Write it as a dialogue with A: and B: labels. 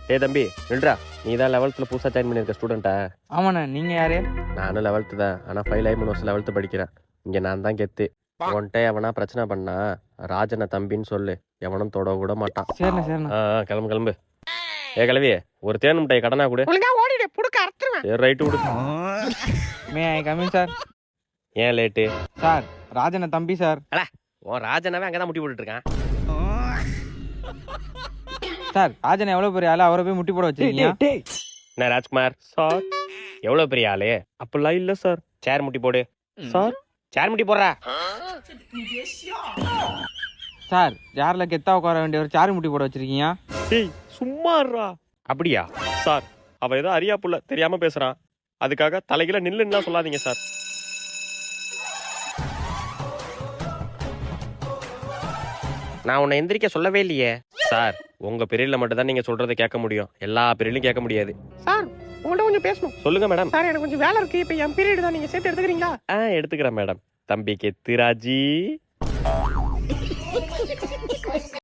A: ஏ தம்பி நில்றா, நீ தான் 11th புதுசாக ஜாயின் பண்ணியிருக்க ஸ்டூடெண்ட்டா?
B: ஆமாண்ணே, நீங்க யாரு?
A: நானும் 11th தான், ஆனால் ஃபெயில் ஆகி 3 வருஷம் 11th படிக்கிறேன். இங்கே நான் தான் கெத்து. உன்கிட்ட எவனா பிரச்சனை பண்ணா ராஜனை தம்பின்னு சொல்லு, எவனும் தொட கூட மாட்டான்.
B: சரிண்ணே சரிண்ணே.
A: கிளம்பு கிளம்பு. ஏ கிளவி, ஒரு தேன் முட்டை கடனா கூட.
C: ஓடிடு புடுக்க அறுத்துருவேன்.
A: சரி ரைட்டு விடு.
B: May I coming sir?
A: ஏன் லேட்டு?
B: சார் ராஜனை தம்பி சார்.
A: உன் ராஜனாவே அங்கே தான் முட்டி போட்டுட்டு இருக்கான்.
B: சார் ராஜன் எவ்வளவு பெரிய ஆளு, அவரை போய் முட்டி போட வச்சிருக்கீங்க?
A: என்ன ராஜ்குமார் சார், எவ்வளோ பெரிய ஆளு? அப்படிலாம் இல்லை சார். சேர் முட்டி போடு சார். சேர் முட்டி போடுறா
B: சார். சேர்ல கெத்தா உட்கார வேண்டிய ஒரு சாரு முட்டி போட வச்சிருக்கீங்க.
A: டேய் சும்மாறா. அப்படியா சார்? அவ ஏதோ அறியா புள்ள தெரியாம பேசுறான், அதுக்காக தலைகில நில்லுன்னா சொல்லாதீங்க சார். நான் உன்னை எந்திரிக்க சொல்லவே இல்லையே சார். உங்க பீரியட்ல மட்டும் தான் நீங்க சொல்றதை கேட்க முடியும், எல்லா பீரியட்லயும் கேட்க முடியாது.
C: சார் உங்கள்கிட்ட கொஞ்சம் பேசணும்.
A: சொல்லுங்க மேடம்.
C: சார் எனக்கு கொஞ்சம் வேலை இருக்கு, இப்போ என் பீரியட் தான், நீங்க சேர்த்து எடுத்துக்கிறீங்களா?
A: எடுத்துக்கிறேன் மேடம். தம்பி கெத்துராஜி.